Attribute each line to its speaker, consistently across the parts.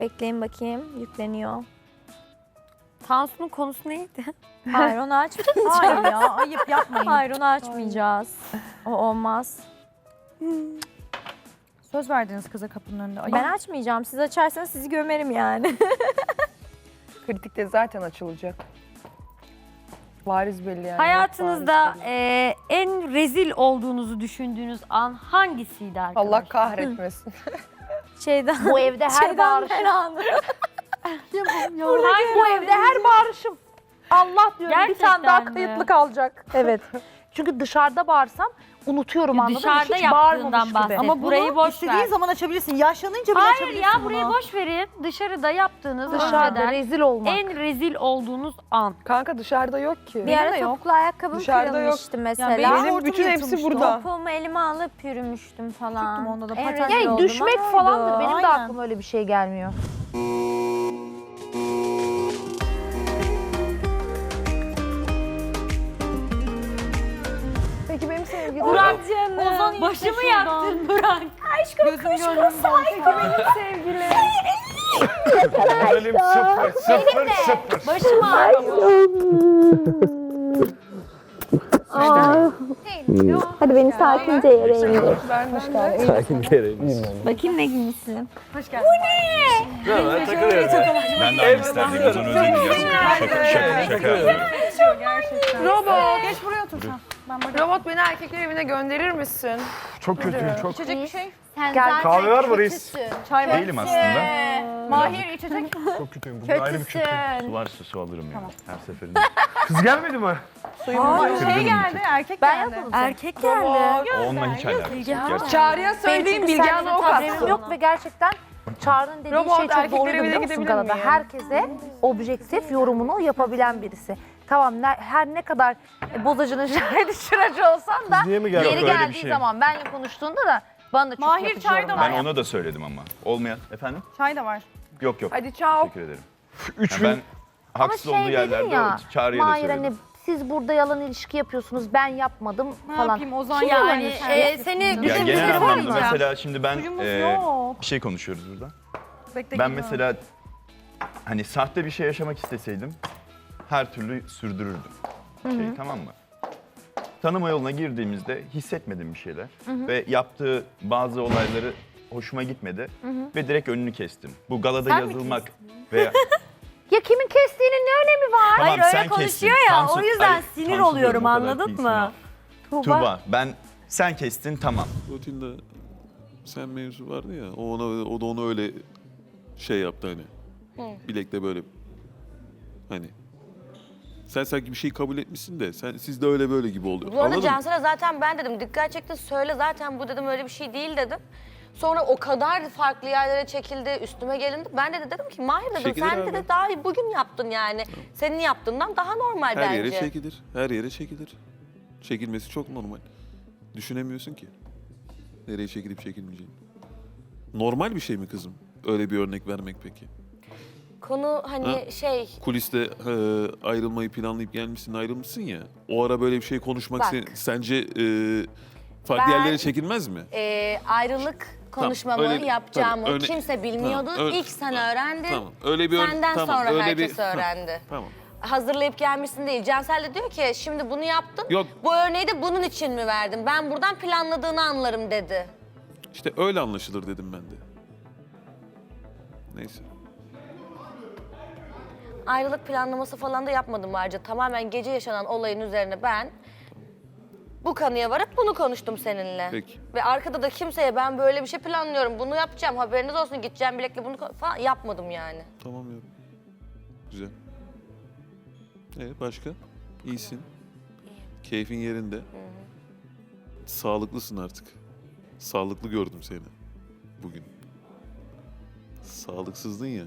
Speaker 1: Bekleyin bakayım. Yükleniyor.
Speaker 2: Tansu'nun konusu neydi?
Speaker 1: Hayır onu açmayacağız.
Speaker 3: Hayır ya ayıp yapmayın.
Speaker 1: Hayır onu açmayacağız. O olmaz.
Speaker 3: Söz verdiniz kıza kapının önünde. Ayıp.
Speaker 1: Ben açmayacağım. Siz açarsanız sizi gömerim yani.
Speaker 4: Kritikte zaten açılacak. Bariz belli yani.
Speaker 2: Hayatınızda
Speaker 4: Bariz belli.
Speaker 2: en rezil olduğunuzu düşündüğünüz an hangisiydi arkadaşlar?
Speaker 4: Allah kahretmesin.
Speaker 1: Şeyden.
Speaker 5: Bu evde her
Speaker 1: Şeyden
Speaker 5: bağırışım.
Speaker 1: her anı.
Speaker 5: Bu evde her bağırışım. Allah diyorum bir
Speaker 2: Gerçekten
Speaker 5: tane daha
Speaker 2: mi?
Speaker 5: kayıtlı kalacak. Evet. Çünkü dışarıda bağırsam unutuyorum anladın mı?
Speaker 2: Dışarıda
Speaker 5: Hiç
Speaker 2: yaptığından
Speaker 5: bağırmamış
Speaker 2: bahset.
Speaker 5: gibi.
Speaker 2: Ama burayı boş
Speaker 3: İstediğin
Speaker 2: ver.
Speaker 3: zaman açabilirsin. Yaşlanınca bile
Speaker 2: Hayır
Speaker 3: açabilirsin
Speaker 2: ya
Speaker 3: bunu.
Speaker 2: burayı boş verin. Dışarıda yaptığınız
Speaker 5: Dışarıda
Speaker 2: önceden
Speaker 5: rezil olmak.
Speaker 2: en rezil olduğunuz an.
Speaker 4: Kanka dışarıda yok ki.
Speaker 1: Bir ara
Speaker 3: de yok.
Speaker 1: topuklu ayakkabım
Speaker 4: Dışarıda yok.
Speaker 1: kırılmıştı mesela.
Speaker 3: benim
Speaker 4: Benim
Speaker 3: hortum
Speaker 4: bütün hepsi
Speaker 3: yırtılmıştı.
Speaker 4: burada.
Speaker 1: Topuğumu elime alıp yürümüştüm falan.
Speaker 3: Tuttum onda da,
Speaker 1: En
Speaker 3: paten.
Speaker 1: rezil
Speaker 5: Yani
Speaker 1: olduğum
Speaker 5: düşmek
Speaker 1: an
Speaker 5: falandır.
Speaker 1: oydu.
Speaker 5: Benim de
Speaker 3: Aynen.
Speaker 5: aklıma öyle bir şey gelmiyor.
Speaker 4: Peki benim sevgilim.
Speaker 2: Burak canım. Başımı yaktın Burak.
Speaker 3: Gözüm gönlüm
Speaker 1: Sevgilim.
Speaker 6: Moralim sıfır sıfır.
Speaker 2: Başımı ağrıyor.
Speaker 1: Hadi beni sakince yere indir.
Speaker 4: Vermiş galiba.
Speaker 1: Bakayım ne giymişsin.
Speaker 6: Ben takılıyorum. Ben de aynı isterdim. Uzun özledim gerçekten. Şaka.
Speaker 4: Robot.
Speaker 3: Geç buraya otur sen.
Speaker 4: Robot beni erkekler evine gönderir misin?
Speaker 6: Çok kötüyüm çok.
Speaker 3: İçecek bir şey.
Speaker 1: Sen
Speaker 5: Gel.
Speaker 6: Kahve var mı reis?
Speaker 3: Çay var.
Speaker 6: Değilim aslında.
Speaker 3: Mahir içecek.
Speaker 6: Çok kötüyüm. Bugün ayrı bir kötü.
Speaker 1: kötüsün.
Speaker 6: Su var su alırım ya. Her seferinde. Kız gelmedi mi?
Speaker 3: Şey geldi erkek
Speaker 5: Ben
Speaker 3: geldi.
Speaker 5: yapalım.
Speaker 1: Erkek geldi.
Speaker 6: Onunla hiç alakası yok. Gerçekten.
Speaker 4: Çağrı'ya söyleyeyim Bilge Hanım'a ok
Speaker 5: Haberim
Speaker 4: atsın.
Speaker 5: yok ve gerçekten Çağrı'nın dediği
Speaker 4: Robot,
Speaker 5: şey çok
Speaker 4: erkekler
Speaker 5: doğruydu
Speaker 4: evine
Speaker 5: biliyor musun
Speaker 4: gidebilir
Speaker 5: Galada?
Speaker 4: miyim?
Speaker 5: Herkese objektif yorumunu yapabilen birisi. Tamam her ne kadar bozacının şahidi şıracı olsan da
Speaker 6: niye mi geldi?
Speaker 5: yeri
Speaker 6: Yok, öyle bir
Speaker 5: geldiği
Speaker 6: şey.
Speaker 5: zaman benle konuştuğunda da bana da çok
Speaker 3: Mahir
Speaker 5: yapıcı
Speaker 3: çay da
Speaker 5: yorumlar
Speaker 6: Ben
Speaker 5: yaptı.
Speaker 6: ona da söyledim ama. Olmayan. Efendim?
Speaker 3: Çay da var.
Speaker 6: Yok yok.
Speaker 4: Hadi çao.
Speaker 6: Teşekkür ederim. Ben
Speaker 5: Ama
Speaker 6: haksız
Speaker 5: şey
Speaker 6: olduğu
Speaker 5: dedin
Speaker 6: yerlerde
Speaker 5: ya,
Speaker 6: Çağrı'ya da
Speaker 5: Mahir
Speaker 6: söyledim.
Speaker 5: hani siz burada yalan ilişki yapıyorsunuz ben yapmadım
Speaker 3: Ne
Speaker 5: falan.
Speaker 3: yapayım o zaman
Speaker 2: Yani seni
Speaker 6: Ya
Speaker 2: düşündüğünüz
Speaker 6: genel
Speaker 2: var
Speaker 6: anlamda
Speaker 2: mı?
Speaker 6: mesela şimdi ben
Speaker 3: Suyumuz yok.
Speaker 6: bir şey konuşuyoruz burada.
Speaker 3: Bekle,
Speaker 6: Ben
Speaker 3: geliyorum.
Speaker 6: mesela hani sahte bir şey yaşamak isteseydim her türlü sürdürürdüm. Tamam mı? Tanıma yoluna girdiğimizde hissetmedim bir şeyler ve yaptığı bazı olayları hoşuma gitmedi ve direkt önünü kestim. Bu galada
Speaker 2: Sen mi
Speaker 6: yazılmak veya
Speaker 5: Ya kimin kestiğinin ne önemi var?
Speaker 6: tamam,
Speaker 2: Hayır öyle
Speaker 6: sen
Speaker 2: konuşuyor
Speaker 6: kestin.
Speaker 2: ya
Speaker 6: Tansu-
Speaker 2: o yüzden
Speaker 6: Hayır,
Speaker 2: sinir
Speaker 6: Tansu
Speaker 2: oluyorum
Speaker 6: diyorum, o kadar
Speaker 2: anladın
Speaker 6: değilsin
Speaker 2: mı?
Speaker 6: ama. Tuğba sen kestin tamam.
Speaker 7: Rutinde sen mevzu vardı ya, o da onu öyle şey yaptı hani. Bilekle böyle hani. Sen sanki bir şey kabul etmişsin de siz de öyle böyle gibi oluyor.
Speaker 8: Bu arada
Speaker 7: Anladın mı?
Speaker 8: Cansel'e zaten ben dedim dikkat çekti söyle zaten bu dedim öyle bir şey değil dedim. Sonra o kadar farklı yerlere çekildi, üstüme gelindi. Ben de dedim ki Mahir dedim
Speaker 7: Çekilir
Speaker 8: sen
Speaker 7: abi.
Speaker 8: de daha bugün yaptın yani. Senin yaptığından daha normal
Speaker 7: Her
Speaker 8: bence.
Speaker 7: yere çekilir. Her yere çekilir. Çekilmesi çok normal. Düşünemiyorsun ki. Nereye çekilip çekilmeyeceğini. Normal bir şey mi kızım? Öyle bir örnek vermek peki.
Speaker 8: Konu hani
Speaker 7: Ha?
Speaker 8: şey
Speaker 7: Kuliste ayrılmayı planlayıp gelmişsin, ayrılmışsın ya. O ara böyle bir şey konuşmak
Speaker 8: Bak.
Speaker 7: sence farklı
Speaker 8: Ben-
Speaker 7: yerlere çekilmez mi?
Speaker 8: ayrılık konuşmamı
Speaker 7: öyle-
Speaker 8: yapacağımı
Speaker 7: tamam,
Speaker 8: kimse bilmiyordu.
Speaker 7: tamam, öyle-
Speaker 8: İlk sen öğrendin.
Speaker 7: Tamam. Öyle bir
Speaker 8: Senden
Speaker 7: tamam,
Speaker 8: sonra
Speaker 7: öyle
Speaker 8: herkes
Speaker 7: bir,
Speaker 8: öğrendi.
Speaker 7: Tamam.
Speaker 8: Hazırlayıp gelmişsin değil. Cansel de diyor ki şimdi bunu yaptın.
Speaker 7: Yok.
Speaker 8: Bu örneği de bunun için mi verdin? Ben buradan planladığını anlarım dedi.
Speaker 7: İşte öyle anlaşılır dedim ben de. Neyse.
Speaker 8: Ayrılık planlaması falan da yapmadım ayrıca. Tamamen gece yaşanan olayın üzerine ben bu kanıya varıp bunu konuştum seninle.
Speaker 7: Peki.
Speaker 8: Ve arkada da kimseye ben böyle bir şey planlıyorum, bunu yapacağım, haberiniz olsun, gideceğim bilekle bunu falan yapmadım yani.
Speaker 7: Tamam ya. Güzel. Başka? İyisin. Keyfin yerinde. Sağlıklısın artık. Sağlıklı gördüm seni bugün. Sağlıksızdın ya.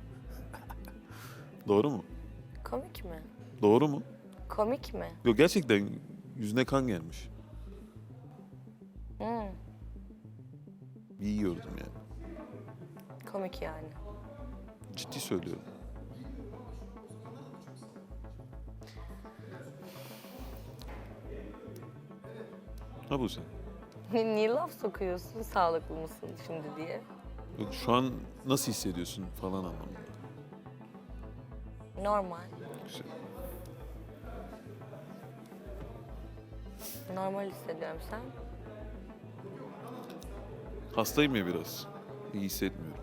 Speaker 7: Doğru mu?
Speaker 8: Komik mi?
Speaker 7: Doğru mu?
Speaker 8: Komik mi?
Speaker 7: Yok gerçekten yüzüne kan gelmiş. İyi gördüm yani.
Speaker 8: Komik yani.
Speaker 7: Ciddi söylüyorum. Ha bu sen.
Speaker 8: Niye laf sokuyorsun sağlıklı mısın şimdi diye?
Speaker 7: Yok, şu an nasıl hissediyorsun falan anlamında.
Speaker 8: Normal.
Speaker 7: Güzel.
Speaker 8: Normal hissediyorum sen.
Speaker 7: Hastayım ya biraz. İyi hissetmiyorum.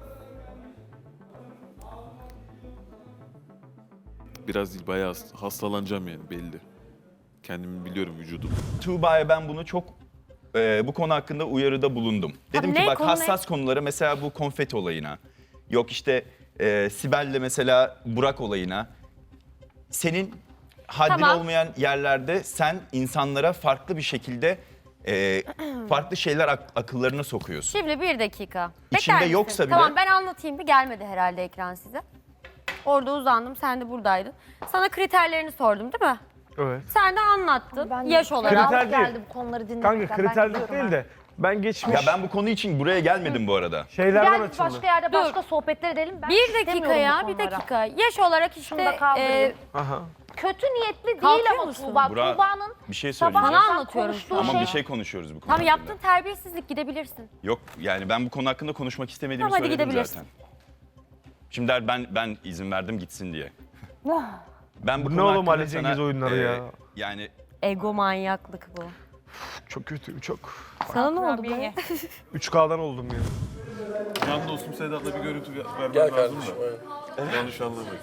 Speaker 7: Biraz değil, bayağı hastalanacağım yani belli. Kendimi biliyorum vücudum.
Speaker 6: Tuğba'ya ben bunu çok bu konu hakkında uyarıda bulundum. Dedim
Speaker 2: ne?
Speaker 6: ki bak
Speaker 2: Konu ne?
Speaker 6: hassas konulara, mesela bu konfeti olayına, yok işte Sibel'le mesela Burak olayına, senin haddin
Speaker 2: Tamam.
Speaker 6: olmayan yerlerde sen insanlara farklı bir şekilde farklı şeyler akıllarına sokuyorsun.
Speaker 2: Şimdi bir dakika.
Speaker 6: İçinde
Speaker 2: Bekler misin?
Speaker 6: yoksa bile-
Speaker 2: Tamam ben anlatayım bir, gelmedi herhalde ekran size. Orada uzandım, sen de buradaydın. Sana kriterlerini sordum değil mi?
Speaker 9: Evet.
Speaker 2: Sen de anlattın
Speaker 5: Ben de
Speaker 2: yaş olarak.
Speaker 9: Kriter değil.
Speaker 5: geldi bu konuları dinlemekten.
Speaker 9: Kanka
Speaker 5: Ben
Speaker 9: kriterlik
Speaker 5: gidiyorum
Speaker 9: değil
Speaker 5: ha.
Speaker 9: de ben geçmiş
Speaker 6: Ya ben bu konu için buraya gelmedim bu arada.
Speaker 9: şeylerden
Speaker 5: Gel biz
Speaker 9: açıldım.
Speaker 5: başka yerde
Speaker 2: Dur.
Speaker 5: başka sohbetler edelim. Ben
Speaker 2: Bir dakika
Speaker 5: istemiyorum
Speaker 2: ya,
Speaker 5: bu
Speaker 2: bir
Speaker 5: konulara.
Speaker 2: dakika. Yaş olarak
Speaker 5: Şunu
Speaker 2: işte
Speaker 5: da kaldırayım.
Speaker 9: Aha.
Speaker 5: Kötü niyetli değil
Speaker 2: Kalkıyor
Speaker 5: ama
Speaker 2: musun?
Speaker 5: Tuğba.
Speaker 6: Burak,
Speaker 5: Tuğba'nın
Speaker 6: bir şey
Speaker 5: sabah
Speaker 6: söyleyeceğim.
Speaker 2: Sana anlatıyorum
Speaker 5: konuştuğu
Speaker 2: şu an.
Speaker 6: Ama bir şey konuşuyoruz bu konu
Speaker 2: Tamam,
Speaker 6: hakkında.
Speaker 2: yaptığın terbiyesizlik, gidebilirsin.
Speaker 6: Yok yani ben bu konu hakkında konuşmak istemediğimi
Speaker 2: Tamam, hadi
Speaker 6: söyledim
Speaker 2: gidebilirsin.
Speaker 6: zaten. Şimdi der ben izin verdim gitsin diye. Ben bu
Speaker 9: Bu ne
Speaker 6: konu
Speaker 9: oğlum
Speaker 6: hakkında
Speaker 9: Ali Cengiz oyunları ya?
Speaker 6: Yani
Speaker 2: Ego manyaklık bu.
Speaker 9: Çok kötü, çok.
Speaker 2: Sana ne oldu be?
Speaker 9: 3K'dan oldum ya.
Speaker 7: Can dostum Sedat'la bir görüntü vermem
Speaker 10: Gel
Speaker 7: lazım
Speaker 10: kardeşim.
Speaker 7: da. Yanlış anlamayın.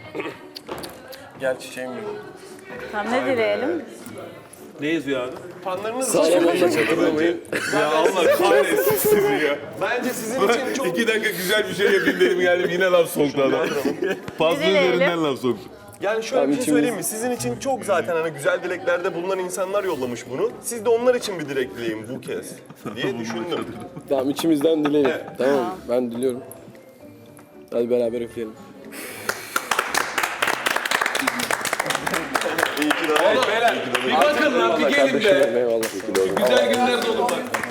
Speaker 10: Gel çiçeğim benim.
Speaker 3: Tamam ne dileyelim?
Speaker 7: Ne yazıyor abi?
Speaker 10: Fanlarınız Sağlamanla çatırlamayın.
Speaker 7: Ya Allah kahretsin sizi ya.
Speaker 10: Bence sizin için çok...
Speaker 7: 2 dakika güzel bir şey yapayım dedim, geldim yine laf soktu adam. Fazla üzerinden laf soktu.
Speaker 10: Yani şöyle bir şey söyleyeyim mi? Sizin için çok zaten hani güzel dileklerde bulunan insanlar yollamış bunu. Siz de onlar için bir dilek dileyin bu kez diye düşündüm.
Speaker 11: Tamam, içimizden dileyelim. Tamam, ben diliyorum. Hadi beraber üfleyelim.
Speaker 10: İyi ki de
Speaker 7: Bir bakın lan, bir gelin be.
Speaker 11: Eyvallah.
Speaker 7: Güzel günler dolu bak.